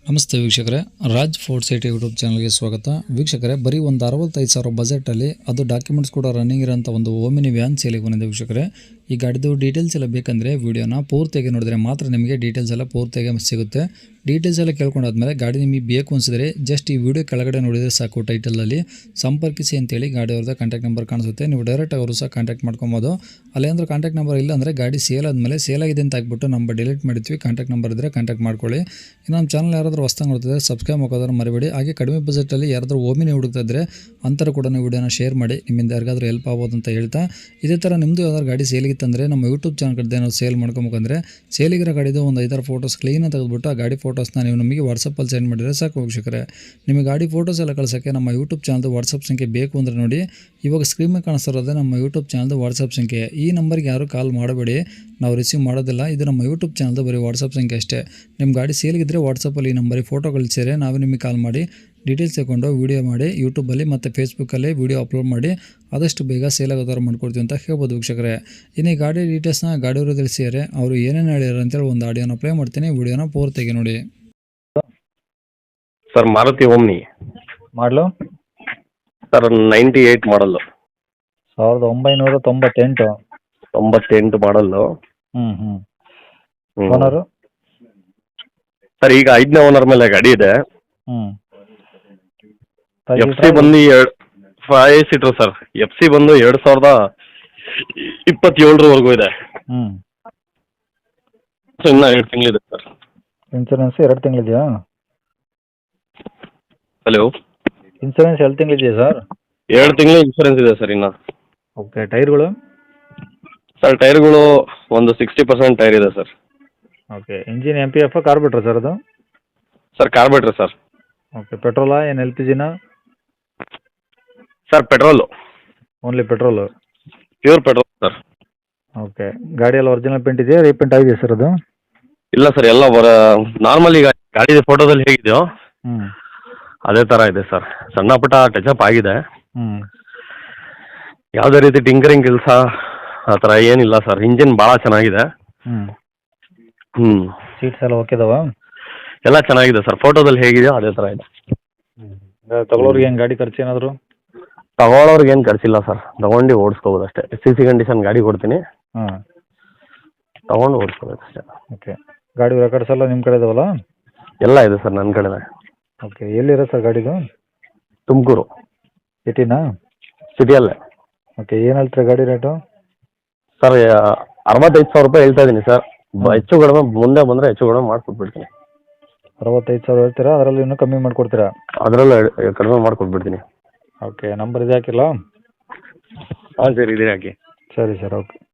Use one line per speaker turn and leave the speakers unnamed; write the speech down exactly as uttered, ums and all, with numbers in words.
ನಮಸ್ತೆ ವೀಕ್ಷಕರೇ, Raj fort city YouTube ಚಾನಲ್ಗೆ ಸ್ವಾಗತ. ವೀಕ್ಷಕರೇ, ಬರೀ ಒಂದು ಅರವತ್ತೈದು ಸಾವಿರ ಬಜೆಟಲ್ಲಿ ಅದು ಡಾಕ್ಯುಮೆಂಟ್ಸ್ ಕೂಡ ರನ್ನಿಂಗ್ ಇರೋಂಥ ಒಂದು ಓಮಿನಿ ವ್ಯಾನ್ ಸೇಲಿಗೆ ಬಂದಿದೆ ವೀಕ್ಷಕರೇ. ಈ ಗಾಡಿದು ಡೀಟೇಲ್ಸ್ ಎಲ್ಲ ಬೇಕಂದರೆ ವೀಡಿಯೋನ ಪೂರ್ತಿಯಾಗಿ ನೋಡಿದ್ರೆ ಮಾತ್ರ ನಿಮಗೆ ಡೀಟೇಲ್ಸ್ ಎಲ್ಲ ಪೂರ್ತಿಯಾಗಿ ಸಿಗುತ್ತೆ. ಡೀಟೇಲ್ಸ್ ಎಲ್ಲ ಕೇಳ್ಕೊಂಡಾದ್ಮೇಲೆ ಗಾಡಿ ನಿಮಗೆ ಬೇಕು ಅನಿಸಿದ್ರೆ ಜಸ್ಟ್ ಈ ವಿಡಿಯೋ ಕೆಳಗಡೆ ನೋಡಿದರೆ ಸಾಕು, ಟೈಟಲಲ್ಲಿ ಸಂಪರ್ಕಿಸಿ ಅಂತೇಳಿ ಗಾಡಿ ಅವ್ರದ್ದು ಕಾಂಟ್ಯಾಕ್ಟ್ ನಂಬರ್ ಕಾಣಿಸುತ್ತೆ. ನೀವು ಡೈರೆಕ್ಟ್ ಅವರು ಸಹ ಕಾಂಟ್ಯಾಕ್ಟ್ ಮಾಡ್ಕೊಬೋದು. ಅಲ್ಲೇಂದ್ರೆ ಕಾಂಟ್ಯಾಕ್ಟ್ ನಂಬರ್ ಇಲ್ಲ ಅಂದರೆ ಗಾಡಿ ಸೇಲ್ ಆದಮೇಲೆ ಸೇಲ್ ಆಗಿದೆ ಅಂತ ಹಾಕ್ಬಿಟ್ಟು ನಂಬರ್ ಡಿಲೀಟ್ ಮಾಡಿದ್ವಿ. ಕಾಂಟ್ಯಾಕ್ಟ್ ನಂಬರ್ ಇದ್ದರೆ ಕಾಂಟ್ಯಾಕ್ಟ್ ಮಾಡ್ಕೊಳ್ಳಿ. ಇನ್ನು ನಮ್ಮ ಚಾನಲ್ ಯಾರಾದರೂ ಹೊಸ್ದಾಗಿ ನೋಡ್ತಿದ್ರೆ ಸಬ್ಸ್ಕ್ರೈಬ್ ಮಾಡೋದ್ರೆ ಮರಿಬೇಡಿ. ಹಾಗೆ ಕಡಿಮೆ ಬಜೆಟಲ್ಲಿ ಯಾರಾದರೂ ಓಮಿನಿ ಹುಡುಕ್ತಾ ಇದ್ದರೆ ಅಂತರ ಕೂಡ ವಿಡಿಯೋನ ಶೇರ್ ಮಾಡಿ, ನಿಮ್ಮಿಂದ ಯಾರಿಗಾದ್ರೂ ಹೆಲ್ಪ್ ಆಗ್ಬೋದು ಅಂತ ಹೇಳ್ತಾ, ಇದೇ ಥರ ನಿಮ್ಮದು ಯಾವ್ದಾದ್ರು ಗಾಡಿ ಸೇಲಿಗಿತ್ತಂದರೆ ನಮ್ಮ ಯೂಟ್ಯೂಬ್ ಚಾನಲ್ ಕಡೆ ನಾವು ಸೇಲ್ ಮಾಡ್ಕೊಬೇಕಂದ್ರೆ ಸೇಲಿಗಿರೋ ಗಾಡಿದು ಒಂದು ಐದಾರು ಫೋಟೋಸ್ ಕ್ಲೀನಾಗಿ ತೆಗೆದುಬಿಟ್ಟು ಆ ಗಾಡಿ ಫೋಟೋಸ್ನ ನೀವು ನಮಗೆ ವಾಟ್ಸಪ್ಪಲ್ಲಿ ಸೆಂಡ್ ಮಾಡಿದರೆ ಸಾಕು ವೀಕ್ಷಕರೇ. ನಿಮಗೆ ಗಾಡಿ ಫೋಟೋಸ್ ಎಲ್ಲ ಕಳ್ಸೋಕ್ಕೆ ನಮ್ಮ ಯೂಟ್ಯೂಬ್ ಚಾನಲ್ದು ವಾಟ್ಸಪ್ ಸಂಖ್ಯೆ ಬೇಕು ಅಂದರೆ ನೋಡಿ, ಇವಾಗ ಸ್ಕ್ರೀನ್ ಮೇಲೆ ಕಾಣಿಸ್ತಿರೋದೇ ನಮ್ಮ ಯೂಟ್ಯೂಬ್ ಚಾನಲ್ದು ವಾಟ್ಸಪ್ ಸಂಖ್ಯೆ. ಈ ನಂಬರ್ಗೆ ಯಾರು ಕಾಲ್ ಮಾಡಬೇಡಿ, ನಾವು ರಿಸೀವ್ ಮಾಡೋದಿಲ್ಲ. ಇದು ನಮ್ಮ ಯೂಟ್ಯೂಬ್ ಚಾನಲ್ದು ಬರೀ ವಾಟ್ಸಪ್ ಸಂಖ್ಯೆ ಅಷ್ಟೇ. ನಿಮ್ಮ ಗಾಡಿ ಸೇಲ್ಗಿದ್ರೆ ವಾಟ್ಸಪ್ಪಲ್ಲಿ ಈ ನಂಬರಿಗೆ ಫೋಟೋ ಕಳಿಸಿದರೆ ನಾವೇ ನಿಮಗೆ ಕಾಲ್ ಮಾಡಿ ಡೀಟೇಲ್ಸ್ ತಗೊಂಡು ವೀಡಿಯೋ ಮಾಡಿ ಯೂಟ್ಯೂಬಲ್ಲಿ ಮತ್ತು ಫೇಸ್ಬುಕ್ಕಲ್ಲಿ ವೀಡಿಯೋ ಅಪ್ಲೋಡ್ ಮಾಡಿ ಆದಷ್ಟು ಬೇಗ ಸೇಲ್ ಆಗೋ ಥರ ಮಾಡ್ಕೊಡ್ತೀವಿ ಅಂತ ಹೇಳ್ಬೋದು ವೀಕ್ಷಕರೇ. ಇನ್ನು ಈ ಗಾಡಿ ಡೀಟೇಲ್ಸ್ನ ಗಾಡಿಯವರು ತಿಳಿಸಿದರೆ ಅವರು ಏನೇನು ಹೇಳ್ಯಾರ ಅಂತೇಳಿ ಒಂದು ಆಡಿಯೋನ ಪ್ಲೇ ಮಾಡ್ತೀನಿ, ವೀಡಿಯೋನ ಪೂರ್ತಿಯಾಗಿ ನೋಡಿ.
Sir Maruti Omni
model
sir ninety eight model,
ಸಾವಿರದ ಒಂಬೈನೂರ ತೊಂಬತ್ತೆಂಟು
ತೊಂಬತ್ತೆಂಟು ಮಾಡಲ್ಲು.
ಹ್ಞೂ ಹ್ಞೂ
ಹ್ಮ್.
ಓನರು
ಸರ್ ಈಗ ಐದನೇ ಓನರ್ ಮೇಲೆ ಗಾಡಿ ಇದೆ.
ಹ್ಞೂ
ಎಫ್ ಸಿ ಬಂದು ಎರಡು five seater sir. F C ಬಂದು ಎರಡು ಸಾವಿರದ ಇಪ್ಪತ್ತೇಳರವರೆಗೂ ಇದೆ.
ಹ್ಞೂ
ಸೊ ಇನ್ನೂ ಎರಡು ತಿಂಗಳಿದೆ ಸರ್.
ಇನ್ಸೂರೆನ್ಸ್ ಎರಡು ತಿಂಗಳಿದೆಯಾ?
ಹಲೋ,
ಇನ್ಸೂರೆನ್ಸ್ ಎರಡು ತಿಂಗಳಿದೆಯಾ ಸರ್?
ಎರಡು ತಿಂಗಳು ಇನ್ಶೂರೆನ್ಸ್ ಇದೆ ಸರ್ ಇನ್ನು.
ಓಕೆ, ಟೈರ್ಗಳು?
ಸರ್ ಟೈರ್ಗಳು ಒಂದು ಸಿಕ್ಸ್ಟಿ ಪರ್ಸೆಂಟ್ ಟೈರ್ ಇದೆ sir.
Okay, engine M P F carburettor sir ಅದು?
Sir carburettor sir.
ಓಕೆ, ಪೆಟ್ರೋಲಾ ಏನು ಎಲ್ ಪಿ ಜಿನಾ?
Sir petrol,
only petrol.
Pure petrol sir.
Okay, ಗಾಡಿಯಲ್ಲಿ ಒರಿಜಿನಲ್ ಪೇಂಟ್ ಇದೆಯಾ, ರೀಪೇಂಟ್ ಆಗಿದೆಯಾ ಸರ್ ಅದು?
ಇಲ್ಲ ಸರ್, ಎಲ್ಲ ಬರ ನಾರ್ಮಲ್ ಈಗ ಗಾಡಿ ಫೋಟೋದಲ್ಲಿ ಹೇಗಿದೆಯೋ
ಹ್ಞೂ
ಅದೇ ಥರ ಇದೆ ಸರ್. ಸಣ್ಣ ಪುಟ್ಟ ಟಚಪ್ ಆಗಿದೆ,
ಹ್ಞೂ
ಯಾವುದೇ ರೀತಿ ಟಿಂಕರಿಂಗ್ ಕೆಲಸ ಆ ಥರ ಏನಿಲ್ಲ ಸರ್. ಇಂಜಿನ್ ಭಾಳ ಚೆನ್ನಾಗಿದೆ.
ಹ್ಞೂ
ಹ್ಞೂ
ಸೀಟ್ಸ್ ಎಲ್ಲ ಓಕೆ ಇದಾವಾ?
ಎಲ್ಲ ಚೆನ್ನಾಗಿದೆ ಸರ್. ಫೋಟೋದಲ್ಲಿ ಹೇಗಿದೆಯೋ ಅದೇ ಥರ ಇದೆ.
ತಗೊಳ್ಳೋರಿಗೆ ಏನು ಗಾಡಿ ಖರ್ಚು ಏನಾದರೂ?
ತಗೊಳ್ಳೋರ್ಗೆ ಏನು ಖರ್ಚಿಲ್ಲ ಸರ್, ತಗೊಂಡು ಓಡಿಸ್ಕೋಬೋದು ಅಷ್ಟೇ. ಸಿ ಸಿ ಕಂಡೀಷನ್ ಗಾಡಿ ಕೊಡ್ತೀನಿ,
ಹಾಂ
ತಗೊಂಡು ಓಡಿಸ್ಕೋಬೇಕು ಅಷ್ಟೇ.
ಓಕೆ, ಗಾಡಿ ರೆಕಾರ್ಡ್ಸ್ ಎಲ್ಲ ನಿಮ್ಮ ಕಡೆ ಇದಾವಲ್ಲ?
ಎಲ್ಲ ಇದೆ ಸರ್ ನನ್ನ ಕಡೆನೇ.
ಓಕೆ, ಎಲ್ಲಿರೋ ಸರ್ ಗಾಡಿದು?
ತುಮಕೂರು
ಸಿಟಿನಾ?
ಸಿಟಿಯಲ್ಲೇ.
ಓಕೆ, ಏನು ಹೇಳ್ತೀರಾ ಗಾಡಿ ರೇಟು?
ಸರ್ ಅರವತ್ತೈದು ಸಾವಿರ ರೂಪಾಯಿ ಹೇಳ್ತಾ ಇದ್ದೀನಿ ಸರ್. ಬ- ಹೆಚ್ಚು ಕಡಿಮೆ ಮುಂದೆ ಬಂದರೆ ಹೆಚ್ಚು ಕಡಿಮೆ ಮಾಡಿಕೊಟ್ಬಿಡ್ತೀನಿ.
ಅರವತ್ತೈದು ಸಾವಿರ ಹೇಳ್ತೀರಾ? ಅದರಲ್ಲಿ ಇನ್ನೂ ಕಮ್ಮಿ ಮಾಡಿಕೊಡ್ತೀರಾ?
ಅದರಲ್ಲೂ ಕಡಿಮೆ ಮಾಡಿಕೊಟ್ಬಿಡ್ತೀನಿ.
ಓಕೆ, ನಂಬರ್ ಇದು ಹಾಕಿಲ್ಲ?
ಹಾಂ ಸರ್, ಇದೆ ಹಾಕಿ.
ಸರಿ ಸರ್, ಓಕೆ.